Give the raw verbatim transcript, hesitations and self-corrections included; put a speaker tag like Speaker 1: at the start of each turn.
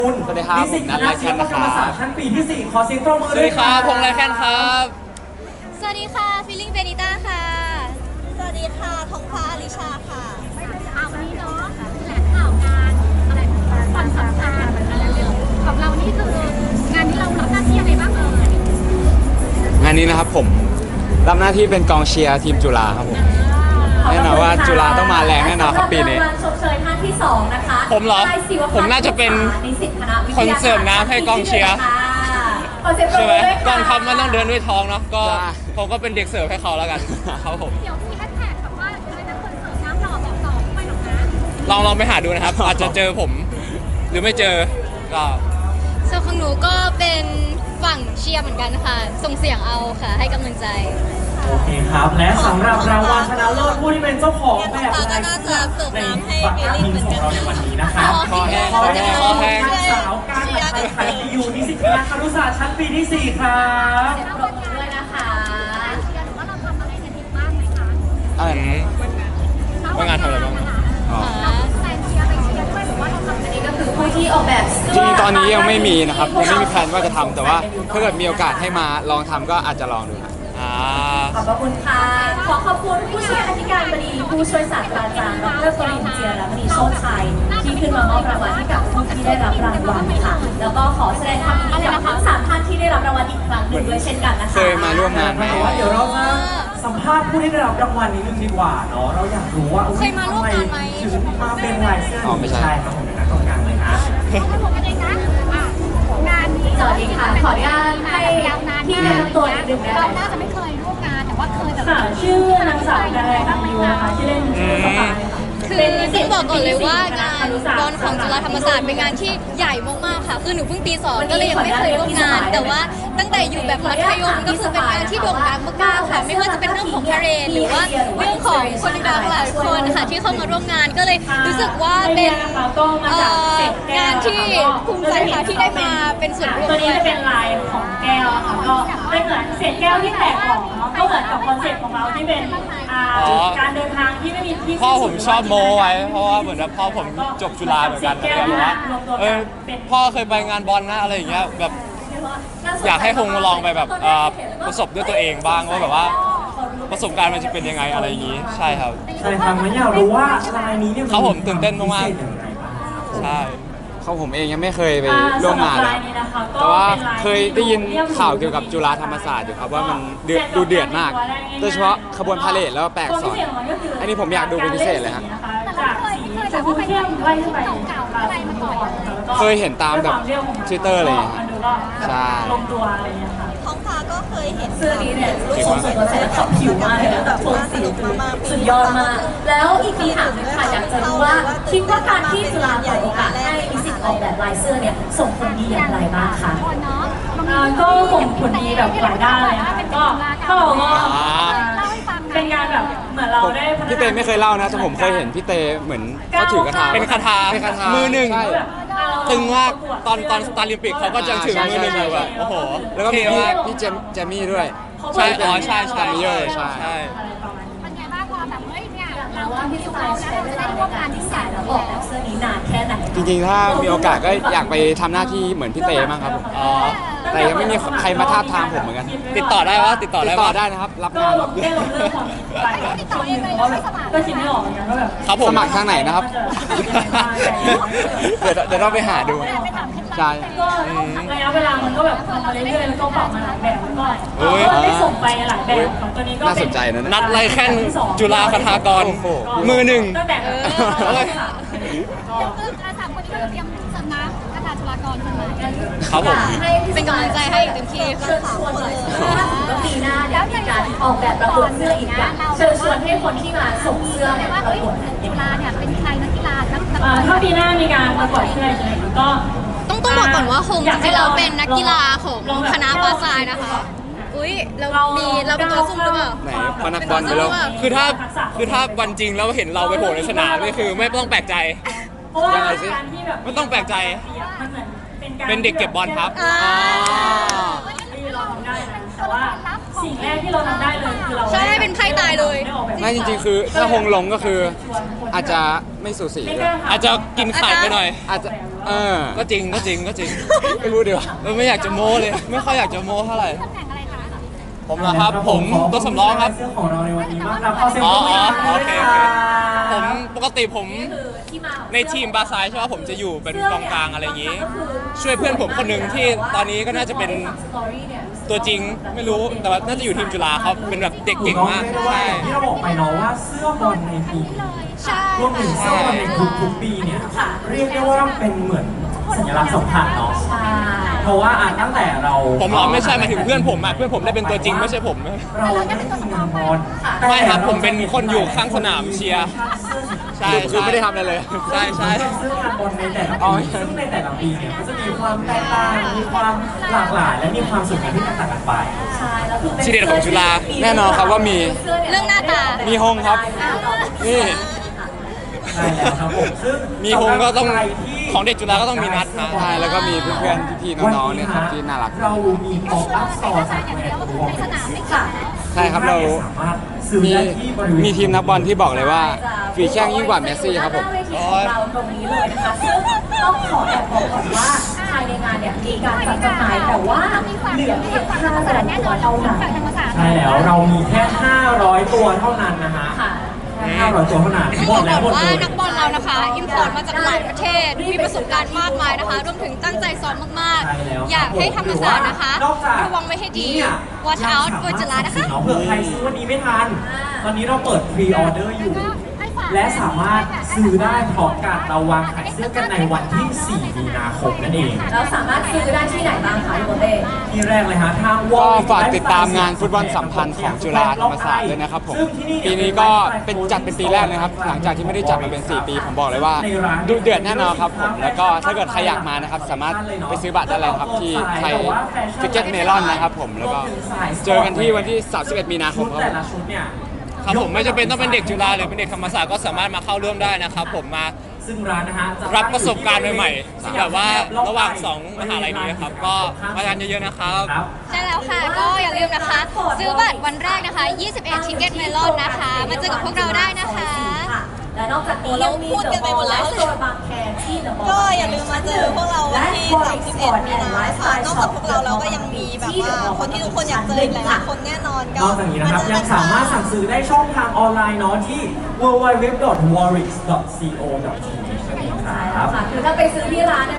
Speaker 1: สวัสดีครับผมนัทไลแคนนะครับ
Speaker 2: ชั้นปีที่สี่ขอเสียงปรบมือ
Speaker 1: สวัสดีครับพงษ์ไลแคนครับ
Speaker 3: สวัสดีค่ะฟิลลิ่งเบนิต้าค่ะสวัสดีค่ะทองฟ้าอลิชาค่ะ
Speaker 4: เอาวันนี้เนาะแหล่งข่าวงานอะไรความสำคัญของเรานี่คืองานที่เรารับหน้าที่อะไรบ้างเอ่ย
Speaker 1: งานนี้นะครับผมรับหน้าที่เป็นกองเชียร์ทีมจุฬาครับผมแน่นอนว่าจุฬาต้องมาแรงแน่นอนครับปีนี้
Speaker 5: ชมเชยท่านที่สองนะคะ
Speaker 1: ผมเหรอผมน่าจะเป็นคนเสิร์ฟน้ำให้กองเชียร์ใช่ไหมกองทัพมันต้องเดินด้วยท้องเนาะก็ผมก็เป็นเด็กเสิร์ฟให้เขาแล้วกันครับผม
Speaker 4: เดี๋ยวมีแฮชแท็กแบบว่าอะไรนะคนเสิร์ฟน้ำหล่อแบบต่อไม่หรอกนะ
Speaker 1: ลองลองไปหาดูนะครับอาจจะเจอผมหรือไม่เจอก็
Speaker 3: ส่วนของหนูก็เป็นฝั่งเชียร์เหมือนกันค่ะส่งเสียงเอาค่ะให้กำลังใจ
Speaker 2: โอเคครับและสำหรับรางวัลชนะเลิศผู้ที่เป็นเจ้าของแบบลายเสื้อในบัตรทีมของเราในวันนี้นะครับ
Speaker 1: ขอแห้งขอแห้งขอแห้ง
Speaker 2: สาวการไทยไทยอยู่นิสิตคณะครุศาสตร์ชั้นปีที่สี่ครับ
Speaker 4: ปรบมือด้วยนะคะเชียร์หรือว่าเราทำอะไรกันอีกบ้างไหมคะ
Speaker 1: อะไรว่างานทำอะไรบ้าง
Speaker 4: อ๋อแฟนเชียร์ไปเชียร์ด้วยหรือว่าเราทำอันนี้ก็คือ
Speaker 5: ผู้ที่ออกแบบ
Speaker 1: จริงตอนนี้ยังไม่มีนะครับยังไม่มีแผนว่าจะทำแต่ว่าถ้าเกิดมีโอกาสให้มาลองทำก็อาจจะลองดูนะ
Speaker 5: ขอบคุณค่ะ ขอขอบคุณผู้ช่วยอธิการบดีผู้ช่วยศาสตราจารย์ดรปริญเจียรมณีโชติชัยที่ขึ้นมามอบรางวัลให้กับผู้ที่ได้รับรางวัลค่ะแล้วก็ขอแสดงความยินดีกับทั้งสามท่านที่ได้รับรางวัลอีกครั้งหนึ่งด้วยเช่นกันนะคะ
Speaker 1: เคยมาร่วมงานไหม
Speaker 2: เดี๋ยวเราจะสัมภาษณ์ผู้ที่ได้รับรางวัลนี้นึงดีกว่าเนาะเราอยากรู้ว่า
Speaker 3: เคยมาร่วมงานไหม
Speaker 2: ถึงมาเป็นลายเสื้อ
Speaker 1: อ๋อไม่ใช่
Speaker 2: ครับผมนะตรงกลางเลยนะ
Speaker 4: ผมเองนะงานนี้
Speaker 5: สวัสดีค่ะขออนุญาตให้ที่แนะนำตัวนิดนึงได้ไหม
Speaker 4: เราน่าจะไม่เคยร่วมงานแต่ว่าเคยแบบ
Speaker 5: ชื่อนางสาวการแรงยูนะคะชื่อเล่นชื่อสปาย
Speaker 3: คือต้องบอกก่อนเลยว่างานบอลของจุฬาธรรมศาสตร์เป็นงานที่ใหญ่มากๆค่ะคือหนูเพิ่งปีสองก็เลยยังไม่เคยร่วมงานแต่ว่าตั้งแต่อยู่แบบมัธยมก็คือเป็นงานที่โด่งดังมากๆค่ะไม่ว่าจะเป็นเรื่องของพาเหรดหรือว่าเรื่องของคนดังหลายคนค่ะที่เข้ามาร่วมงานก็เลยรู้สึกว่าเป็นงานที่ภูมิใจค่ะที่ได้มาเป็นส่วนร่วม
Speaker 5: ตัวนี้จะเป็นลายของแก้วค่ะก็เป็นเหมือนเศษแก้วที่แตกออกเนาะก็เหมือนกับคอนเซ็ปต์ของเราที่เป็นการเดินทางที่ไม่มีที่
Speaker 1: พ่อผมชอบโมไว้เพราะว่าเหมือนแบบพ่อผมจบจุฬาเหมือนกันแล้วแบบว่าเออพ่อเคยไปงานบอลนะอะไรอย่างเงี้ยแบบอยากให้คงลองไปแบบประสบด้วยตัวเองบ้างว่าแบบว่าประสบการณ์มันจะเป็นยังไงอะไรอย่างงี้ใช่ครับ
Speaker 2: ใช่ครับมันอยากรู้ว่าลายนี้เนี่ย
Speaker 1: เขาผมตื่นเต้นมากๆใช่เขาผมเองยังไม่เคยไปร่วมงานเลยแต่ว่าเคยได้ยินข่าวเกี่ยวกับจุฬาธรรมศาสตร์อยู่ครับว่ามันดูเดือดมากโดยเฉพาะขบวนพาเหรดแล้วแปลกสอนอันนี้ผมอยากดูเป็นพิเศษเลยฮะเคยเห็นตามแบบทวิตเตอร์อะไรอย่างเงี้ยใช่
Speaker 3: ท้องฟ้าก็เคยเห็น
Speaker 5: เสื้อนี้เนี่ยรูปทรงสวยงามขับผิวมากเลยนะแบบโทนสีสุดยอดมากแล้วอีกทีถามค่ะอยากจะรู้ว่าคิดว่าการที่จุฬาเปิดโอกาสให้นิสิตออกแบบลายเสื้อเนี่ยส่งผลดีอย่างไรบ้างคะ
Speaker 4: ก็
Speaker 5: ส่งผลดีแบบหลายด้านเลยค่ะก็ก็เราก็เป็นการแบบเหมือนเราได้
Speaker 1: พี่เตไม่เคยเล่านะแต่ผมเคยเห็นพี่เตเหมือนเขาถือกระถาเป็นคาถามือหนึ่งตึงมากตอนตอนสตาร์ลิมปิกเขาก็จะถือมือหนึ่งอยู่แบบโอ้โหแล้วก็มีพี่เจมเจมี่ด้วยใช่อ๋อใช่ใช่เยอะใช่ใช่
Speaker 4: เป็นไงบ้างพอแบบเฮ้ยเนี่ยเรา
Speaker 5: ว่าที่เราใช้เวลาในการที่ใส่แล้วออกแบบเสื้อนี้นานแค่ไหน
Speaker 1: จริงๆถ้ามีโอกาสก็อยากไปทำหน้าที่เหมือนพี่เตมากครับอ๋อแต่ยังไม่มีใครมาทาบทามผมเหมือนกันติดต่อได้ว่าติดต่อได้ติดต่อได้นะครับรับงานรับด้วย
Speaker 4: ติดต่อเองเลยไม่สมัคร
Speaker 5: ก็คิดไม่ออกเหมือนกันว่าแบบ
Speaker 1: ครับผมสมัครทางไหนนะครับเดี๋ยวเดี๋ยวต้องไปหาดูใช่
Speaker 5: ก็ระยะเวลามันก็แบบทำมาเรื่อยๆแล้วก็ปรับมาหลายแบบก็ได้ส่งไปหลายแบบของตัวนี้ก็
Speaker 1: น่าสนใจนะ
Speaker 5: นั
Speaker 1: ดไลแคนจุฬาคทากรมือหนึ่ง
Speaker 5: ตั้งแต่เออ
Speaker 4: อาสามคนนี้ก็เตรียมสำนักคทาจุฬากรขึ้นมา
Speaker 1: ครับผม
Speaker 3: เป็นกำลังใจให้เต็มที่
Speaker 5: เชิญชวนเลยก็ปีหน้าเนี่ยมีการออกแบบประกวดเสื้ออีกอย่างเชิญชวนให้คนที่มาส่งเสื้อเนี่ยประกวด
Speaker 4: จุฬาเนี่ยเป็นใครนักกีฬานัก
Speaker 5: ถ้าปีหน้ามีการประกวดเสื้อใช่ไหมก็
Speaker 3: ต้องต้องบอกก่อนว่าคงจริงๆเราเป็นนักกีฬาของคณะบาซายนะคะอุ้ยเรามีเราเป็นตัวซุ่มหรือเปล่า
Speaker 1: ไหนพนักบอลไปแล้วคือถ้าคือถ้าวันจริงแล้วเห็นเราไปโผล่ในสนามนี่คือไม่ต้องแปลกใจยังไงสิไม่ต้องแปลกใจเป็นเด็กเก็บบอลครับ
Speaker 5: เราทำได้นะแต่ว่าสิ่งแรกที่เราทำได้เลยคือเรา
Speaker 3: ใช่เป็นไพ่ตายเลย
Speaker 1: ไม่จริงๆคือถ้าหงลงก็คืออาจจะไม่สูสีด้วย
Speaker 6: อาจจะกินไข่ไปหน่อย
Speaker 1: อาจจะเออ
Speaker 6: ก็จริงก็จริงก็จริง
Speaker 1: ไม่รู้ดีกว่า
Speaker 6: เออไม่อยากจะโม้เลย ไม่ค่อยอยากจะโม้เท่าไหร่
Speaker 4: ตำแหน่งอะไรคะ
Speaker 6: ผมนะครับ ผมตัวสำรองครับ
Speaker 2: เสื้อของเราในวันนี้มากครับขอเสียง
Speaker 6: อ๋
Speaker 2: ป
Speaker 6: อ
Speaker 2: รบมือ
Speaker 6: อ๋อโอเคโอเค
Speaker 2: ผ
Speaker 6: ผม มปกติผม
Speaker 5: คือที่มาของ
Speaker 6: ในทีมบาซายใช่ไหมผมจะอยู่เป็นกองกลางอะไรอย่างนี้ ช่วยเพื่อนผมคนหนึ่งที่ตอนนี้ก็น่าจะเป็นตัวจริงไม่รู้แต่ว่าน่าจะอยู่ทีมจุฬาเขาเป็นแบบเด็กเก่งมาก
Speaker 2: ถูต้องเรียได้ว่า
Speaker 6: ใช่
Speaker 2: อย่างที่เราบอกไปเนาะว่าเสื้อบอลในปี
Speaker 3: ใช่
Speaker 2: รวมถึงเสื้อบอลในทุกทุกๆปีเนี่ยเรียกได้ว่าเป็นเหมือนสัญลักษณ์สำคัญเนาะ
Speaker 5: ใช่
Speaker 2: เพราะว่าอ่ะตั้งแต่เรา
Speaker 6: ผมเหรอไม่ใช่หมายถึงเพื่อนผมอะเพื่อนผมได้เป็นตัวจริงไม่ใช่ผม
Speaker 2: เราไม่ได้มีงานบอล
Speaker 6: ไม่ครับผมเป็นคนอยู่ข้างสนามเชียร์ ใช่
Speaker 1: คือคือไม่ได้ทำอะไรเลย
Speaker 6: ใช่ใช่
Speaker 2: เสื้องานบอลในแต่ละ
Speaker 1: อ๋อ
Speaker 2: ปีซึ่งในแต่ละปีเนี่ยก็จะมีความแตกต่างมีความหลากหลายและมีความสวยงามที่แตกต่างกันไป
Speaker 5: ใช่แล้วคือเป็น
Speaker 6: ชื่อเด็ดของจุฬา
Speaker 1: แน่นอนครับว่ามี
Speaker 3: เรื่องหน้าตา
Speaker 1: มีหงครับ นี่
Speaker 2: ใช่แล้วครับผมซึ่ง
Speaker 6: มีฮงก็ต้อง
Speaker 2: สำหรับใครที่
Speaker 6: ของเด็กจุฬาก็ต้องมีนัดนะ
Speaker 1: ใช่แล้วก็มีเพื่อนๆพี่ๆน้องๆเนี่ยครับที่น่ารัก
Speaker 2: เรามีป๊อปอัพสโตร์จากแบรนด์วอล
Speaker 4: ในสนามไม่
Speaker 5: ค่ะ
Speaker 1: ใช่ครับเรา
Speaker 2: สามารถซื้อ
Speaker 1: มี
Speaker 2: ได้ที่บริเวณ
Speaker 1: มีทีมนักบอลที่บอกเลยว่าฝีแข้งยิ่งกว่าเมสซี่ครับผม
Speaker 5: หน้าเวทีของเราตรงนี้เลยนะคะซึ่งต้องขอแอบบอกก่อนว่าภายในงานเนี่ยมีการจัดจำหน่ายแต่ว่าเหลือเพียงห้าแสนตัวเท่านั้น
Speaker 4: ธรรมศาสตร์
Speaker 2: ใช่แล้วเรามีแค่ ห้าร้อย ตัวเท่านั้นนะฮะ
Speaker 5: ค่ะ
Speaker 2: แค่ห้าร้อย ตัวเท่านั้น
Speaker 3: ต้อง
Speaker 2: หม
Speaker 3: บอ
Speaker 2: ด
Speaker 3: ก
Speaker 2: แล้วหม
Speaker 3: ก่อ
Speaker 2: ด
Speaker 3: นว่า
Speaker 2: เลย
Speaker 3: นักบอลเรานะคะอิมพอร์ตมาจากหลายประเทศ มีประสบการณ์มากมายนะคะ รวมถึงตั้งใจซ้อมมาก
Speaker 2: ใช่แล้ว
Speaker 3: ๆ อยากให้ธรรมศาสตร์นะคะ
Speaker 2: นอกจาก
Speaker 3: ระวังไว้ให้ดี
Speaker 2: เนี่ย
Speaker 3: watch out เวอร์จุฬานะคะ
Speaker 2: เผื่อใครซื้อวันนี้ไม่ทัน ตอนนี้เราเปิดพรีออเดอร์อยู่ และสามารถซื้อได้พร้อมกันเราวางขายเสื้อกันในวันที่ สี่ มีนาคมนั่นเอง
Speaker 5: แล้วสามารถซื้อได้ที่ไหนบ้างคะพี่โบเต้
Speaker 2: ที่แรกเลยฮะทาง
Speaker 1: ก็
Speaker 2: Wall
Speaker 1: ฝากติดตามงานฟุตบอลสัมพันธ์ของจุฬาธรรมศาสตร์ด้วยนะครับผมปีนี้ก็เป็นจัดเป็นปีแรกนะครับหลังจากที่ไม่ได้จัดมาเป็น สี่ ปีผมบอกเลยว่าดุเดือดแน่นอนครับผมแล้วก็ถ้าเกิดใครอยากมานะครับสามารถไปซื้อบัตรได้เลยครับที่ไทยทิกเก็ตเมลอนนะครับผมแล้วก็เจอกันที่วันที่ สามสิบเอ็ด มีนาคมครับ
Speaker 2: แต่
Speaker 1: ผม
Speaker 2: ละชุดเนี่ย
Speaker 6: ครับผมไม่จำเป็นต้องเป็นเด็กจุฬาหรือเป็นเด็กธรรมศาสตร์ก็สามารถมาเข้าร่วมได้นะครับผมมา
Speaker 2: ซึ่งร้านนะฮะจ
Speaker 6: รับประสบการณ์ใหม่
Speaker 2: สย
Speaker 6: ๆแบบว่าระหว่างสองมหาลัยนี้ครับก็มากันเยอะๆนะครับ
Speaker 2: ครับ
Speaker 3: ใช่แล้วค่ะ ก็อย่าลืมนะคะ ซื้อบัตรวันแรกนะคะ ยี่สิบเอ็ด ทิกเก็ตเมลอนนะคะ มาเจอกับพวกเราได้นะคะ
Speaker 5: และนอกจากนี้ยังมี
Speaker 3: พูดกันไปหมดแล้ว
Speaker 5: โซนบางแคที่เดอะมอลล์
Speaker 7: ก็อย่าลืมมาเจอพวกเราวันที่สามสิบเอ็ดมีนาค่ะนอกจากพวกเราเราก็ยังมีแบบว่าคนที่ทุกคนอยากเจออีกหลายๆคนแน่นอนก็
Speaker 2: นอกจากนี้นะครับยังสามารถสั่งซื้อได้ช่องทางออนไลน์เนาะที่ ดับเบิลยู ดับเบิลยู ดับเบิลยู ดอท วอริก ดอท ซี โอ ดอท ที เอช นั่นเองค
Speaker 5: ใช่
Speaker 2: รับ
Speaker 5: ค่ะคือถ้าไปซื้อที่ร้าน